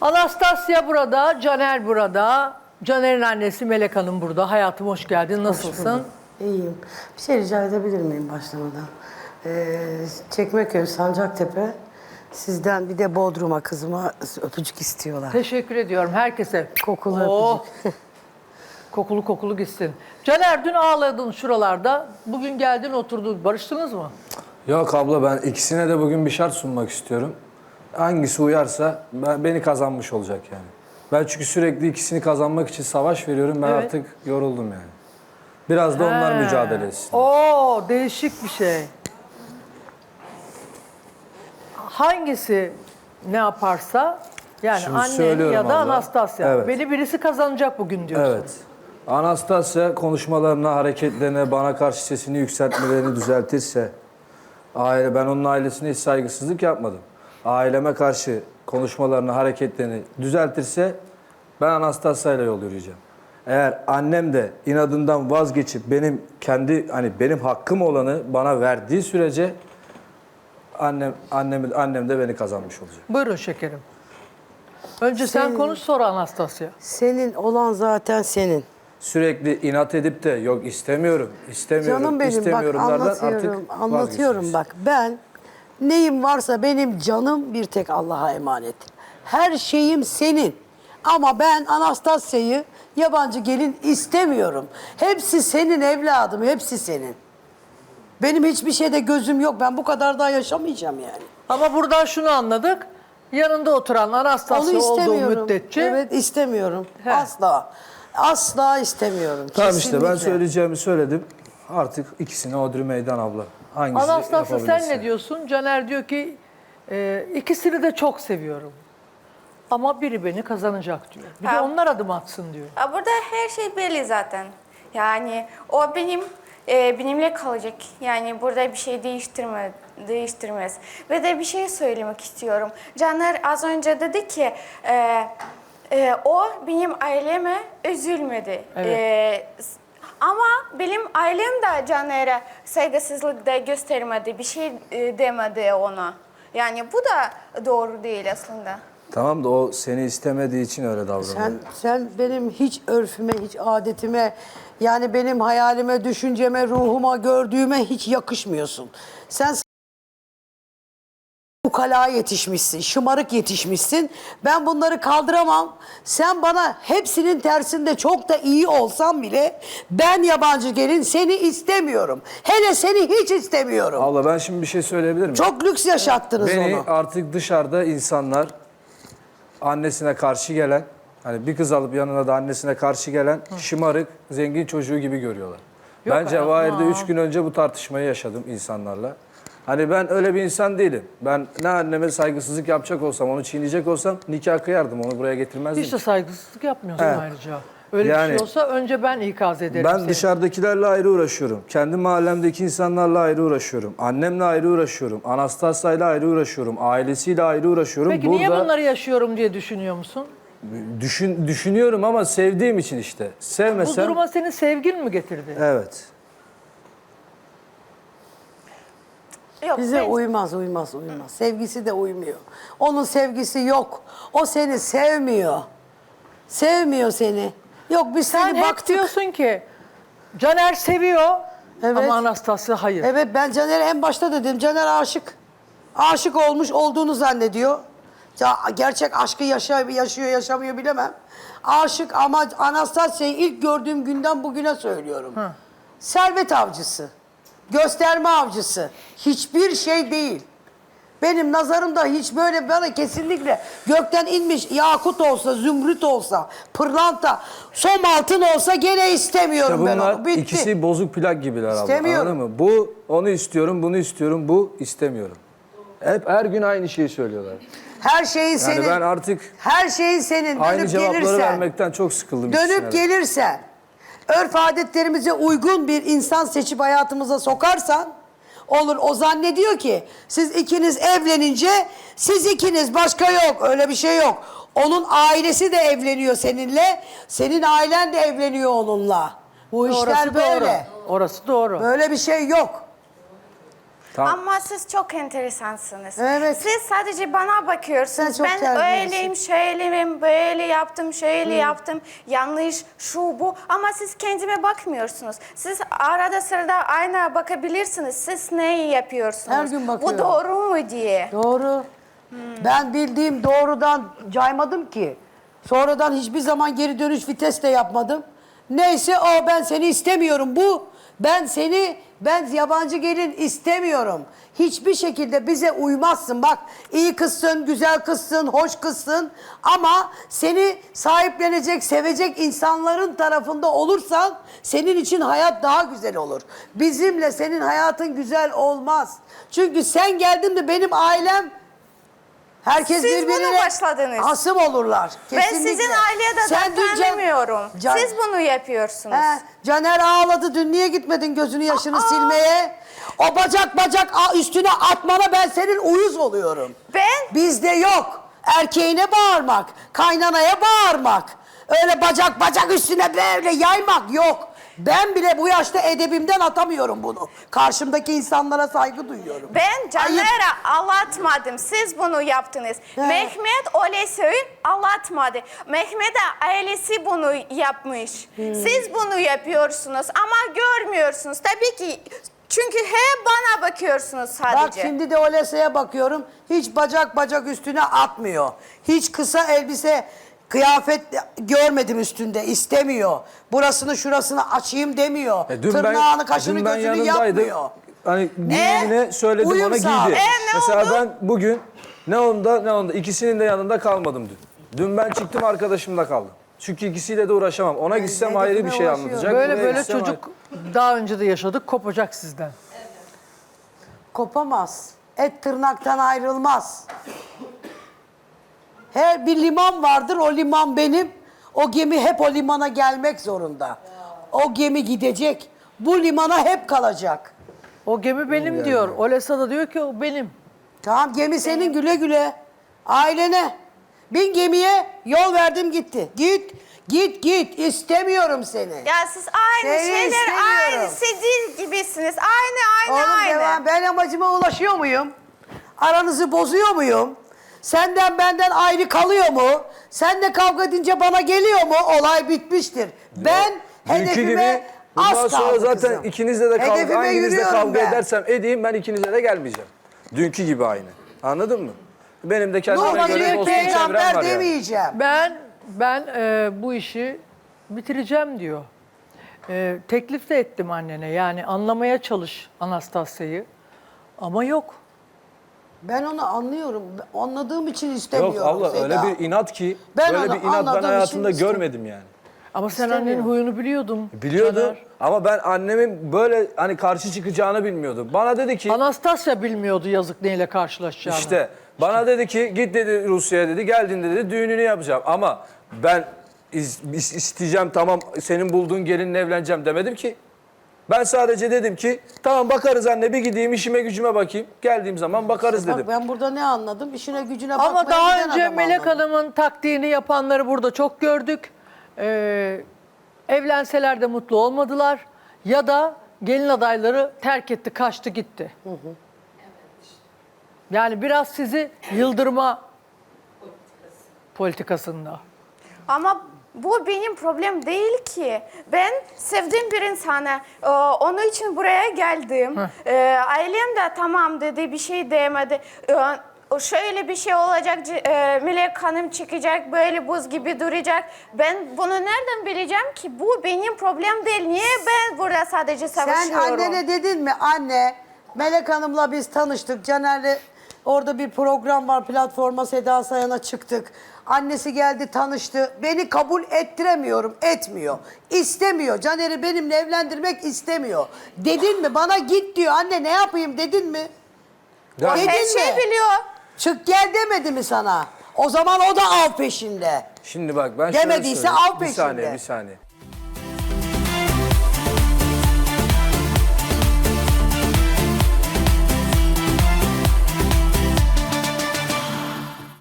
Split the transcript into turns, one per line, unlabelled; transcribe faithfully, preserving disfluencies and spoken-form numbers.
Anastasya burada, Caner burada. Caner'in annesi Melek Hanım burada. Hayatım hoş geldin. Nasılsın?
İyiyim. Bir şey rica edebilir miyim başlamadan? Ee, Çekmeköy, Sancaktepe. Sizden bir de Bodrum'a kızıma öpücük istiyorlar.
Teşekkür ediyorum herkese.
Kokulu
Oh,
öpücük.
kokulu kokulu gitsin. Caner dün ağladın şuralarda. Bugün geldin oturdun. Barıştınız mı?
Yok abla, ben ikisine de bugün bir şart sunmak istiyorum. Hangisi uyarsa ben, beni kazanmış olacak yani. Ben çünkü sürekli ikisini kazanmak için savaş veriyorum. Ben
Evet.
artık yoruldum yani. Biraz da onlar
He.
mücadele etsin.
Oo, değişik bir şey. Hangisi ne yaparsa yani
Şimdi
annen
söylüyorum
ya da
abla.
Anastasya.
Evet.
Beni birisi kazanacak bugün diyorsun.
Evet. Anastasya konuşmalarına, hareketlerine, bana karşı sesini yükseltmelerini düzeltirse, aile, ben onun ailesine hiç saygısızlık yapmadım. Aileme karşı konuşmalarını, hareketlerini düzeltirse ben Anastasya ile yol yürüyeceğim. Eğer annem de inadından vazgeçip benim kendi hani benim hakkım olanı bana verdiği sürece annem annem annem de beni kazanmış olacak.
Buyurun şekerim. Önce sen
Senin-
konuş sonra Anastasya.
Senin olan zaten senin.
Sürekli inat edip de yok istemiyorum, istemiyorum,
Canım benim bak
istemiyorumlardan
anlatıyorum,
artık
anlatıyorum
vazgeçeceğiz.
bak. Ben neyim varsa benim canım bir tek Allah'a emanet. Her şeyim senin. Ama ben Anastasya'yı yabancı gelin istemiyorum. Hepsi senin evladım, hepsi senin. Benim hiçbir şeyde gözüm yok. Ben bu kadar daha yaşamayacağım yani.
Ama buradan şunu anladık. Yanında oturan
Onu
Anastasya olduğu
istemiyorum.
müddetçe
Evet istemiyorum.
He.
Asla. Asla istemiyorum.
Tamam işte ben
Kesinlikle.
söyleyeceğimi söyledim. Artık ikisine odri meydan abla. Hangisi
Anastasya sen
yapabilirse.
ne diyorsun? Caner diyor ki e, ikisini de çok seviyorum. Ama biri beni kazanacak diyor. Bir de
Ha.
onlar adım atsın diyor.
Ya burada her şey belli zaten. Yani o benim e, benimle kalacak. Yani burada bir şey değiştirme, değiştirmez. Ve de bir şey söylemek istiyorum. Caner az önce dedi ki e, e, o benim aileme üzülmedi.
Evet.
E, s- ama benim ailem de Caner'e saygısızlık da göstermedi. Bir şey e, demedi ona. Yani bu da doğru değil aslında.
Tamam da o seni istemediği için öyle davranıyor.
Sen, sen benim hiç örfüme, hiç adetime, yani benim hayalime, düşünceme, ruhuma, gördüğüme hiç yakışmıyorsun. Sen ukala yetişmişsin, şımarık yetişmişsin. Ben bunları kaldıramam. Sen bana hepsinin tersinde çok da iyi olsam bile ben yabancı gelin seni istemiyorum. Hele seni hiç istemiyorum.
Abla ben şimdi bir şey söyleyebilir miyim?
Çok lüks yaşattınız
Beni
onu.
artık dışarıda insanlar annesine karşı gelen, hani bir kız alıp yanına da annesine karşı gelen şımarık, zengin çocuğu gibi görüyorlar.
Yok
ben
hayatım,
Cevahir'de
aa.
üç gün önce bu tartışmayı yaşadım insanlarla. Hani ben öyle bir insan değilim. Ben ne anneme saygısızlık yapacak olsam, onu çiğneyecek olsam nikah kıyardım, onu buraya getirmezdim.
Hiç de saygısızlık yapmıyorsun
He.
ayrıca. Öyle bir
Yani-
şey olsa önce ben ikaz ederim
Ben
seni.
dışarıdakilerle ayrı uğraşıyorum. Kendi mahallemdeki insanlarla ayrı uğraşıyorum. Annemle ayrı uğraşıyorum. Anastasya'yla ayrı uğraşıyorum. Ailesiyle ayrı uğraşıyorum.
Peki niye bunları yaşıyorum diye düşünüyor musun?
Düşün, düşünüyorum ama sevdiğim için işte.
Bu
Sevmesem...
duruma senin sevgin mi getirdi?
Evet.
Yok,
Bize
ben-
uymaz, uymaz, uymaz. Sevgisi de uymuyor. Onun sevgisi yok. O seni sevmiyor. Sevmiyor seni. Yok biz
Sen
seni
hep
baktık.
diyorsun ki Caner seviyor
Evet.
ama Anastasya hayır.
Evet ben Caner'e en başta dedim. Caner aşık. Aşık olmuş olduğunu zannediyor. Ya gerçek aşkı yaşıyor, yaşıyor yaşamıyor bilemem. Aşık ama Anastasya'yı ilk gördüğüm günden bugüne söylüyorum. Servet avcısı. Gösterme avcısı. Hiçbir şey değil. Benim nazarımda hiç böyle bana kesinlikle gökten inmiş yakut olsa, zümrüt olsa, pırlanta, som altın olsa gene istemiyorum
İşte
ben
bunlar
onu. Bitti.
ikisi bozuk plak gibiler abla.
İstemiyorum.
Anladın mı? Bu onu istiyorum, bunu istiyorum, bu istemiyorum. Hep her gün aynı şeyi söylüyorlar.
Her şeyin
Yani
senin.
ben artık
Her şeyin senin.
aynı
Dönüp
cevapları
gelirsen.
vermekten çok sıkıldım.
Dönüp
ikisine de.
gelirsen. Örf adetlerimize uygun bir insan seçip hayatımıza sokarsan olur. O zannediyor ki siz ikiniz evlenince siz ikiniz başka yok. Öyle bir şey yok. Onun ailesi de evleniyor seninle. Senin ailen de evleniyor onunla. Bu işler
Orası
böyle.
doğru. Orası doğru.
Böyle bir şey yok.
Tamam.
Ama siz çok enteresansınız.
Evet.
Siz sadece bana bakıyorsunuz.
Sen çok
Ben
terbiyelisin.
öyleyim, şöyleyim, böyle yaptım, şöyle yaptım. Yanlış, şu bu. Ama siz kendime bakmıyorsunuz. Siz arada sırada aynaya bakabilirsiniz. Siz neyi yapıyorsunuz?
Her gün
Bu
bakıyorum.
doğru mu diye.
Doğru. Ben bildiğim doğrudan caymadım ki. Sonradan hiçbir zaman geri dönüş vites de yapmadım. Neyse o, ben seni istemiyorum bu. Ben seni, ben yabancı gelin istemiyorum. Hiçbir şekilde bize uymazsın. Bak, iyi kızsın, güzel kızsın, hoş kızsın. Ama seni sahiplenecek, sevecek insanların tarafında olursan senin için hayat daha güzel olur. Bizimle senin hayatın güzel olmaz. Çünkü sen geldin de benim ailem, herkes
Siz bunu
birbirine
başladınız.
hasım olurlar.
Ben
Kesinlikle.
sizin aileye de
Sen dün Can-
tanımıyorum.
Can-
Siz bunu yapıyorsunuz.
He, Caner ağladı, dün niye gitmedin gözünü yaşını
Aa!
silmeye? O bacak bacak a- üstüne atmana ben senin uyuz oluyorum.
Ben?
Bizde yok. Erkeğine bağırmak, kaynanaya bağırmak, öyle bacak bacak üstüne böyle yaymak yok. Ben bile bu yaşta edebimden atamıyorum bunu. Karşımdaki insanlara saygı duyuyorum.
Ben
Ayıp.
Caner'e anlatmadım. Siz bunu yaptınız.
He.
Mehmet öyle söyleyip anlatmadı. Mehmet'e ailesi bunu yapmış.
Hmm.
Siz bunu yapıyorsunuz ama görmüyorsunuz. Tabii ki çünkü hep bana bakıyorsunuz sadece.
Bak şimdi de Olese'ye bakıyorum. Hiç bacak bacak üstüne atmıyor. Hiç kısa elbise, kıyafet görmedim üstünde. İstemiyor. Burasını şurasını açayım demiyor.
E, dün
Tırnağını,
ben,
kaşını,
dün ben
gözünü
yanındaydım.
yapmıyor.
Hani
E,
giydiğine söyledim,
uyum
ona
sağ.
giydi.
E,
ne
Mesela
oldu?
ben bugün ne onda ne onda ikisinin de yanında kalmadım dün. Dün ben çıktım, arkadaşımda kaldım. Çünkü ikisiyle de uğraşamam. Ona gitsem ayrı bir
hedefime
şey
ulaşıyor.
anlatacak.
Böyle
buraya
böyle
gitsem
çocuk daha önce de yaşadık, kopacak sizden.
Kopamaz. Et tırnaktan ayrılmaz. Her bir liman vardır, o liman benim. O gemi hep o limana gelmek zorunda. O gemi gidecek. Bu limana hep kalacak.
O gemi benim diyor. Olesa da diyor ki o benim.
Tamam, gemi senin, güle güle. Ailene. Bin gemiye, yol verdim gitti. Git, git, git. İstemiyorum seni.
Ya siz aynı
Seni
şeyler,
istemiyorum.
aynı sizin gibisiniz. Aynı, aynı,
Oğlum
aynı.
devam. Ben amacıma ulaşıyor muyum? Aranızı bozuyor muyum? Senden benden ayrı kalıyor mu? Sen de kavga edince bana geliyor mu? Olay bitmiştir. Ben
Dünkü
hedefime
gibi bundan
az
sonra
kaldı
zaten
kızım.
ikinizle de kavga,
Hedefime
hanginizle
yürüyorum
kavga
ben.
edersem edeyim, ben ikinize de gelmeyeceğim. Dünkü gibi aynı. Anladın mı? Benim de kendime
Normal
göre
diyor
dostum,
ki
çevrem
peygamber
var yani.
demeyeceğim.
Ben ben e, bu işi bitireceğim diyor. E, teklif de ettim annene. Yani anlamaya çalış Anastasya'yı. Ama yok.
Ben onu anlıyorum. Anladığım için istemiyorum.
Yok abla,
Seda.
öyle bir inat ki,
Ben
böyle
onu
bir inat ben
anladığım
hayatımda
için
görmedim yani.
Ama sen
İstemiyorum.
annenin huyunu biliyordun.
Biliyordum
Caner.
ama ben annemin böyle hani karşı çıkacağını bilmiyordum. Bana dedi ki
Anastasya bilmiyordu yazık neyle karşılaşacağını.
işte bana dedi ki git dedi Rusya'ya dedi, geldiğinde dedi düğününü yapacağım. Ama ben is- is- isteyeceğim, tamam senin bulduğun gelinle evleneceğim demedim ki. Ben sadece dedim ki tamam bakarız anne, bir gideyim işime gücüme bakayım. Geldiğim zaman bakarız dedim.
Bak ben burada ne anladım? İşine gücüne bakmaya
Ama daha
giden
önce
adam
Melek
anladım.
Hanım'ın taktiğini yapanları burada çok gördük. Ee, evlenseler de mutlu olmadılar. Ya da gelin adayları terk etti, kaçtı gitti. Yani biraz sizi yıldırma politikasında.
Ama bu benim problem değil ki. Ben sevdiğim bir insana, e, onun için buraya geldim. E, ailem de tamam dedi, bir şey demedi. E, o şöyle bir şey olacak, c- e, Melek Hanım çıkacak, böyle buz gibi duracak. Ben bunu nereden bileceğim ki? Bu benim problem değil. Niye ben burada sadece
Sen
savaşıyorum?
annene dedin mi? Anne, Melek Hanım'la biz tanıştık. Caner'le orada bir program var, platforma Seda Sayan'a çıktık. Annesi geldi, tanıştı. Beni kabul ettiremiyorum, etmiyor. İstemiyor. Caner'i benimle evlendirmek istemiyor. Dedin mi? Bana git diyor. Anne ne yapayım dedin mi?
Ya-
O her
Dedin
şeyi
mi?
biliyor.
Çık gel demedi mi sana? O zaman o da av peşinde.
Şimdi bak ben
Demediyse
şöyle söyleyeyim.
al
Bir saniye,
peşinde.
bir saniye.